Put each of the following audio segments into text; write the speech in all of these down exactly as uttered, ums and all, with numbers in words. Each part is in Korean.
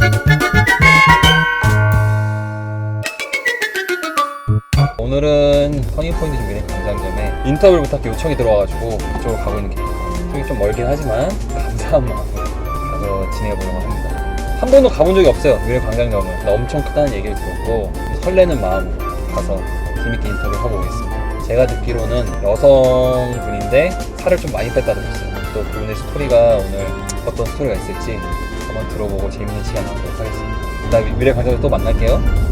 오늘은 터닝포인트 미래 광장점에 인터뷰를 부탁해 요청이 들어와가지고 이쪽으로 가고 있는 길입니다. 쪽이 좀 멀긴 하지만 감사한 마음으로 가서 진행해보려고 합니다. 한 번도 가본 적이 없어요, 미래 광장점을. 근데 엄청 크다는 얘기를 들었고 설레는 마음으로 가서 재밌게 인터뷰를 하고 오겠습니다. 제가 듣기로는 여성분인데 살을 좀 많이 뺐다고 했어요. 또 그분의 스토리가 오늘 어떤 스토리가 있을지 한번 들어보고 재밌는 시간 나누도록 하겠습니다. 일단 미래 광장점 또 만날게요.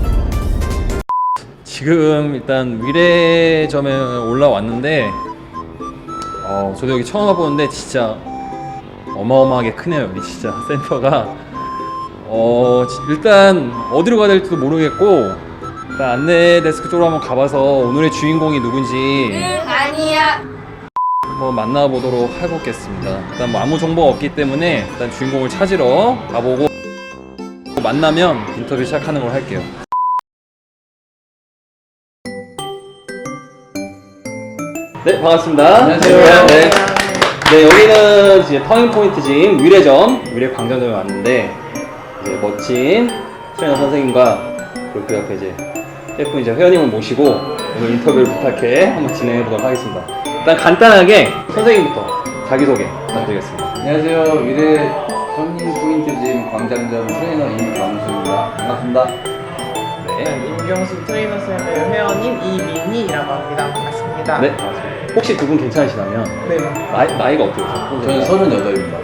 지금 일단 미래점에 올라왔는데 어, 저도 여기 처음 와보는데 진짜 어마어마하게 크네요. 여기 진짜 센터가 어, 일단 어디로 가야 될지도 모르겠고 일단 안내 데스크 쪽으로 한번 가봐서 오늘의 주인공이 누군지 응 아니야 한번 만나보도록 해보겠습니다. 일단 뭐 아무 정보가 없기 때문에 일단 주인공을 찾으러 가보고 만나면 인터뷰 시작하는 걸 할게요. 네, 반갑습니다. 안녕하세요. 네, 네 여기는 이제 터닝포인트진 위례점, 위례광장점에 왔는데 이제 멋진 트레이너 선생님과 그리고 그 옆에 이제 셰프 이제 회원님을 모시고 오늘 인터뷰를 부탁해 한번 진행해 보도록 하겠습니다. 일단 간단하게 선생님부터 자기소개 부탁드리겠습니다. 안녕하세요. 미래 터닝포인트짐 광장점 트레이너 임경수입니다. 반갑습니다. 네, 임경수 트레이너 쌤의 회원인 이민희라고 합니다. 반갑습니다. 네, 반갑습니다. 혹시 두 분 괜찮으시다면 네. 나이, 나이가 어떻게 되세요? 저는 서른여덟입니다.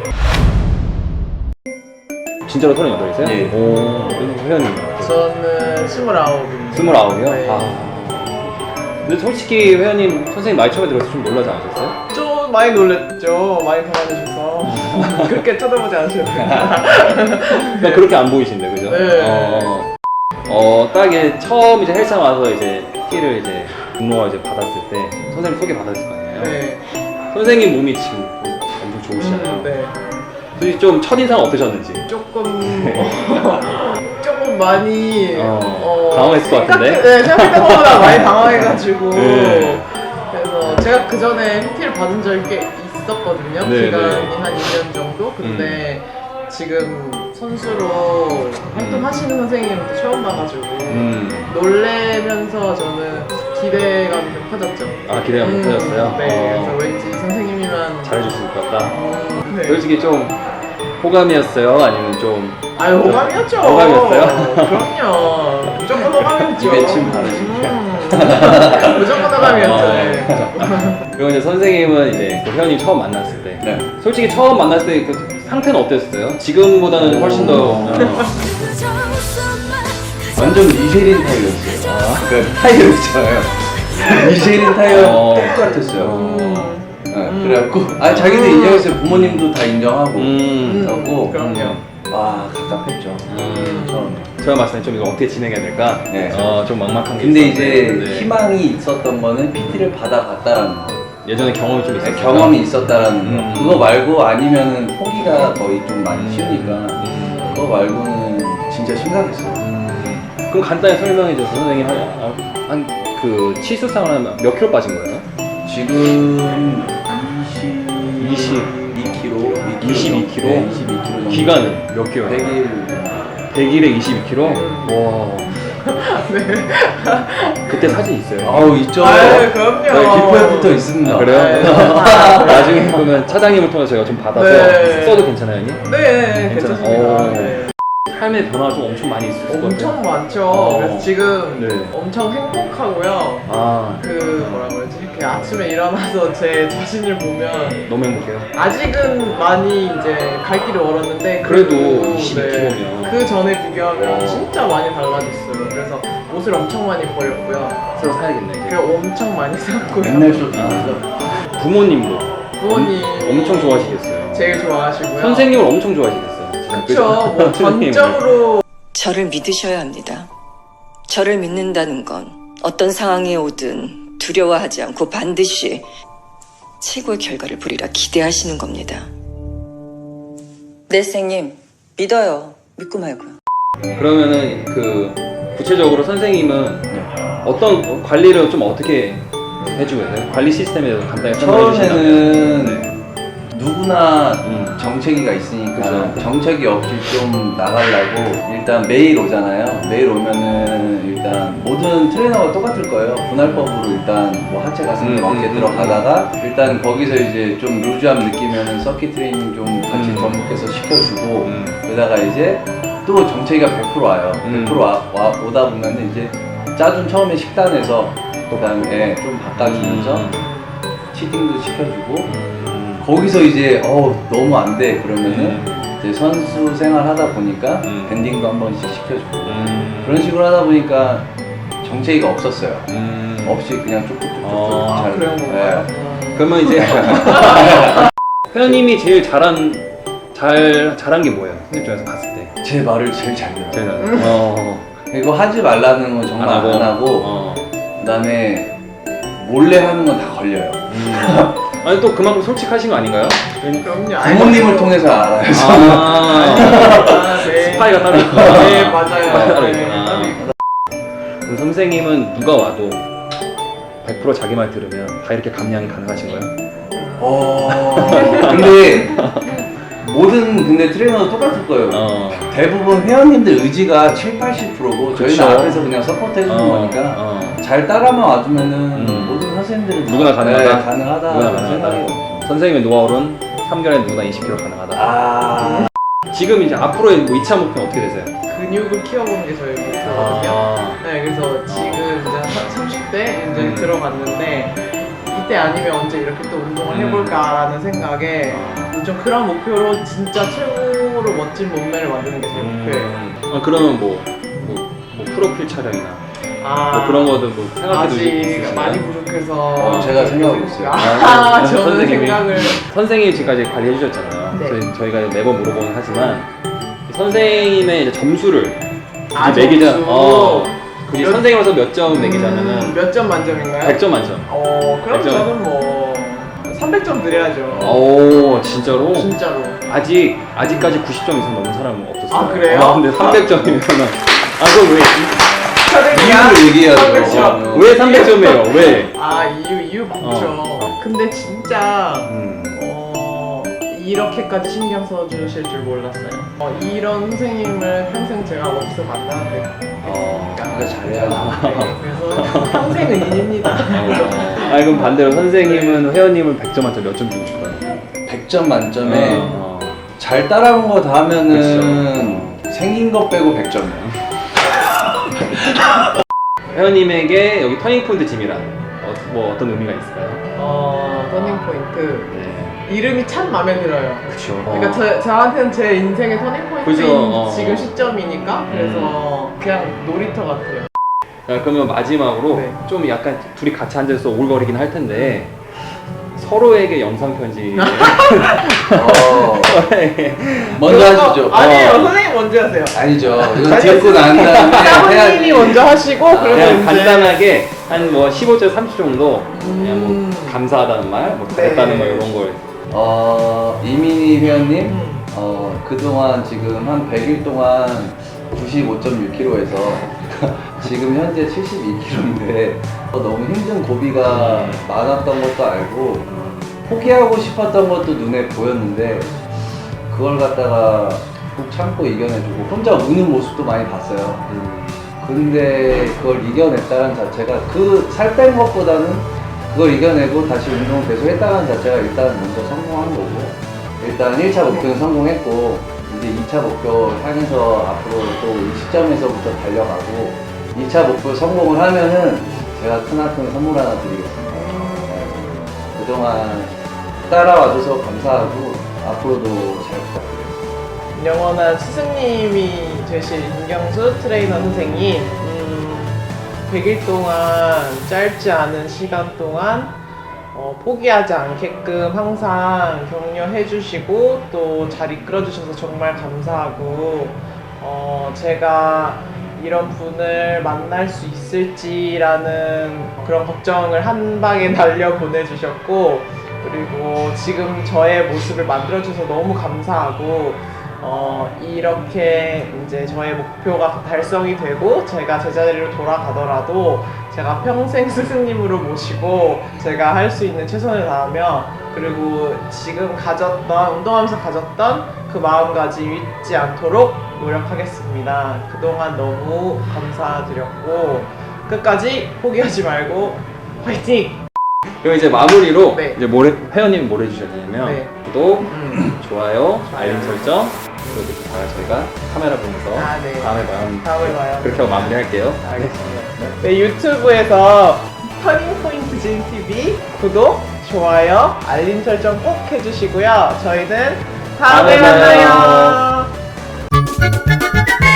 진짜로 서른여덟이세요? 예. 오, 그리고 회원님 저는 스물아홉입니다. 스물아홉이요? 네. 아. 근데 솔직히 회원님 선생님 나이 처음에 들어서 좀 놀라지 않으셨어요? 좀 많이 놀랬죠. 많이 당황해주셔서 그렇게 쳐다보지 않으셨는데. 그러니까 그렇게 안 보이신데, 그죠? 네. 어, 어, 딱 이제 처음 이제 헬스장 와서 이제 티를 이제 등록을 이제 받았을 때 선생님 소개 받았을 거 아니에요? 네. 선생님 몸이 지금 엄청 좋으시잖아요. 음, 네. 솔직히 좀 첫인상 어떠셨는지? 조금 조금 많이 어, 당황했을 것 같은데? 생각, 네, 생각했던 것보다 많이 당황해가지고 네. 그래서 제가 그 전에 피티를 받은 적이 꽤 있었거든요. 네, 기간이 네. 한 이 년 정도. 근데 지금 선수로 활동하시는 선생님도 처음 봐가지고 음. 놀래면서 저는 기대감이 좀 커졌죠. 아, 기대가 못 터졌어요? 네, 어. 그래서 왠지 선생님이면 잘해줄 수 있을 것 같다. 음, 네. 솔직히 좀 호감이었어요? 아니면 좀 아유 호감이었죠. 호감이었어요? 그럼요. 무조건 호감이었죠. 입에 침 바르시죠. 음, 무조건 호감이었죠. 어. 네. 그리고 이제 선생님은 이제 그 회원님 처음 만났을 때 네. 솔직히 처음 만났을 때 그 상태는 어땠어요? 지금보다는 훨씬 더 어. 완전 미쉐린 타이어였어요. 아, 그 타이어 있잖아요. 미쉐린 타이어 어. 똑같았어요. 어. 네, 그래갖고 아 자기들 인정했어요. 부모님도 다 인정하고. 음. 그래갖고 그럼요. 와 답답했죠. 음. 처음. 제가 봤을 때 좀 이거 어떻게 진행해야 될까? 네. 어, 좀 막막한 게 근데 있었는데, 이제 네. 희망이 있었던 거는 피티를 받아봤다라는 거. 예전에 경험이 좀 있었어요. 경험이 있었다라는 거. 음. 그거 말고 아니면은 포기가 거의 좀 많이 쉬우니까 음. 그거 말고는 진짜 심각했어요. 그럼 간단히 설명해 줘서 선생님 한그 치수상을 하면 몇 킬로 빠진 거예요? 지금 이십이 킬로, 이십이 킬로? 네, 이십이 킬로 정도. 기간은 몇 개월? 백 일. 백 일에 이십이 킬로? 와. 그때 사진 있어요? 아우 있죠. 아유, 그럼요. 네, 기포에 붙어 있습니다. 아, 그래요? 네. 나중에 그러면 차장님을 통해서 제가 좀 받아서 네. 써도 괜찮아요, 형님? 네, 괜찮아요? 괜찮습니다. 오. 네. 삶의 변화가 좀 엄청 많이 있을 것 같아요. 엄청 많죠. 어. 그래서 지금 네. 엄청 행복하고요. 아, 그 뭐라 그러지? 이렇게 아침에 일어나서 제 자신을 보면 너무 행복해요. 아직은 많이 이제 갈 길을 멀었는데 그래도 이십이 킬로면. 그 전에 비교하면 어. 진짜 많이 달라졌어요. 그래서 옷을 엄청 많이 버렸고요. 새로 사야겠네, 이제. 그리고 엄청 많이 샀고요. 맨날 쇼핑. 아, 부모님도 부모님 엄청 좋아하시겠어요. 제일 좋아하시고요. 선생님을 엄청 좋아하시겠어요. 그렇죠. 뭐 선생님을. 전적으로 저를 믿으셔야 합니다. 저를 믿는다는 건 어떤 상황에 오든 두려워하지 않고 반드시 최고의 결과를 보리라 기대하시는 겁니다. 네, 선생님. 믿어요. 믿고 말고요. 그러면은 그 구체적으로 선생님은 어떤 관리를 좀 어떻게 해주고 계세요? 관리 시스템에 대해서 간단히 설명해 주신다면. 처음에는 네. 누구나 음. 정체기가 있으니까 그쵸. 정체기 없이 좀 나가려고 일단 매일 오잖아요. 매일 오면은 일단 모든 트레이너가 똑같을 거예요. 분할법으로 일단 뭐 하체 가슴 음, 어깨 음, 들어가다가 일단 거기서 이제 좀 루즈함 느끼면은 서킷 트레이닝 좀 같이 음. 전문께서 시켜주고 음. 그러다가 이제 또 정체기가 백 퍼센트 와요. 음. 백 퍼센트 와, 와, 오다 보면은 이제 짜준 처음에 식단에서 그다음에 좀 바꿔주면서 음. 치팅도 시켜주고 음. 거기서 이제 어 너무 안 돼 그러면은 음. 이제 선수 생활 하다 보니까 음. 밴딩도 한 번씩 시켜주고 음. 그런 식으로 하다 보니까 정체기가 없었어요. 음. 없이 그냥 쭉쭉쭉쭉 아, 잘 그런 건가요? 네. 그러면 이제 회원님이 제일 잘한 잘 잘한 게 뭐예요? 선생님 중에서 봤을 때 제 말을 제일 잘 들어요. 제일 잘한. 어. 이거 하지 말라는 건 정말 안 하고, 어. 그다음에 몰래 하는 건 다 걸려요. 음. 아니 또 그만큼 솔직하신 거 아닌가요? 그럼요. 부모님을 통해서 알아요. 아. 아, 네. 스파이가 따로 있구나. 네, 맞아요. 따로 네, 있구나. 따로 있구나. 그럼 선생님은 누가 와도 백 퍼센트 자기 말 들으면 다 이렇게 감량이 가능하신 거예요? 어. 근데 모든 근데 트레이너도 똑같을 거예요. 어. 대부분 회원님들 의지가 칠, 팔십 퍼센트고 저희는 그쵸. 앞에서 그냥 서포트 해주는 어. 거니까 어. 잘 따라만 와주면은 음. 모든 선생님들은 누구나 다- 가능하다? 네, 가능하다 누구나 생각해요. 가능하다. 선생님의 노하우는 삼 개월에 누구나 이십 킬로그램 가능하다. 아 지금 이제 앞으로의 뭐 이 차 목표는 어떻게 되세요? 근육을 키워보는 게 저희 목표거든요. 아. 네, 그래서 지금 이제 삼십 대 이제 음. 들어갔는데 이때 아니면 언제 이렇게 또 운동을 음. 해볼까라는 생각에 좀 그런 목표로 진짜 최고로 멋진 몸매를 만드는 게 제 목표예요. 음. 아, 그러면 뭐, 뭐, 뭐 프로필 촬영이나 아, 뭐 그런 거도 뭐 생각해 아직 두시나요? 많이 부족해서 어, 제가 생각하고 있어요. 아, 저는 선생님이. 생각을 선생님이 지금까지 관리해 주셨잖아요. 네. 저희, 저희가 매번 물어보긴 하지만 선생님의 이제 점수를 아, 이제 매기자. 점수. 어, 그게 몇- 선생님으로서 몇 점 매기자면은 몇 점 만점인가요? 백 점 만점. 어, 그럼 백 점. 저는 뭐 삼백 점 드려야죠. 오, 진짜로? 진짜로. 아직 아직까지 구십 점 이상 넘은 사람은 없었어요. 아, 그래요? 아, 근데 삼백 점이면은 아, 그럼 왜? 이유를 얘기해야죠. 삼백 점. 어. 왜 삼백 점이에요? 왜? 아, 이유 이유 많죠. 어. 근데 진짜 음. 어, 이렇게까지 신경 써주실 줄 몰랐어요. 어, 이런 선생님을 평생 제가 어디서 만나는데. 어. 그러니까 잘해야죠. 네, 그래서 평생 은인입니다. 아, 그럼 반대로 선생님은 회원님은 백 점 만점 몇 점 주고 싶어요? 백 점 만점에 어. 잘 따라온 거 다 하면은 생긴 것 빼고 백 점이에요. 회원님에게 여기 터닝 포인트 짐이란 어, 뭐 어떤 의미가 있을까요? 어, 터닝 포인트. 네. 이름이 참 마음에 들어요. 그렇죠. 그러니까 저, 저한테는 제 인생의 터닝 포인트인 그죠, 어. 지금 시점이니까 음. 그래서 그냥 놀이터 같아요. 그러면 마지막으로 네. 좀 약간 둘이 같이 앉아서 오글거리긴 할 텐데 서로에게 영상 편지. 어, 먼저 그런 거- 하시죠. 아니에요. 어. 선생님 먼저 하세요. 아니죠. 이거 듣고 난 다음에 사부님이 해야지. 먼저 하시고 그러면 그냥 이제 간단하게 한 뭐 십오 절 삼십 정도 그냥 음. 뭐 감사하다는 말, 뭐 네. 잘했다는 말 이런 걸. 어, 이민희 회원님, 음. 어, 그동안 지금 한 백 일 동안 구십오 점 육 킬로그램에서 지금 현재 칠십이 킬로그램인데 너무 힘든 고비가 많았던 것도 알고 포기하고 싶었던 것도 눈에 보였는데 그걸 갖다가 꼭 참고 이겨내주고 혼자 우는 모습도 많이 봤어요. 음. 근데 그걸 이겨냈다는 자체가 그 살 뺀 것보다는 그걸 이겨내고 다시 운동을 계속 했다는 자체가 일단 먼저 성공한 거고 일단 일 차 목표는 성공했고 이제 이 차 목표 향해서 앞으로 또 이 시점에서부터 달려가고 이 차 목표 성공을 하면은 제가 크나큰 선물 하나 드리겠습니다. 네. 그동안 따라와줘서 감사하고 앞으로도 잘 부탁드리겠습니다. 영원한 스승님이 되실 임경수 트레이너 선생님 음, 백 일 동안 짧지 않은 시간 동안 어, 포기하지 않게끔 항상 격려해 주시고 또 잘 이끌어 주셔서 정말 감사하고 어, 제가 이런 분을 만날 수 있을지라는 그런 걱정을 한 방에 날려 보내주셨고 그리고 지금 저의 모습을 만들어 주셔서 너무 감사하고 어, 이렇게 이제 저의 목표가 달성이 되고 제가 제자리로 돌아가더라도 제가 평생 스승님으로 모시고 제가 할 수 있는 최선을 다하며 그리고 지금 가졌던 운동하면서 가졌던 그 마음가짐 잊지 않도록 노력하겠습니다. 그동안 너무 감사드렸고 끝까지 포기하지 말고 화이팅! 그럼 이제 마무리로 네. 이제 뭘 해- 회원님 뭘 해주셔야 되냐면 네. 구독, 음. 좋아요, 알림 설정 그리고 또 다 저희가 카메라 보면서 아, 네. 다음에 봐요. 다음에 봐요. 그렇게 하고 마무리할게요. 알겠습니다. 네, 유튜브에서 터닝포인트 진티비 구독, 좋아요, 알림 설정 꼭 해주시고요. 저희는 다음에 다음에 봐요. 만나요.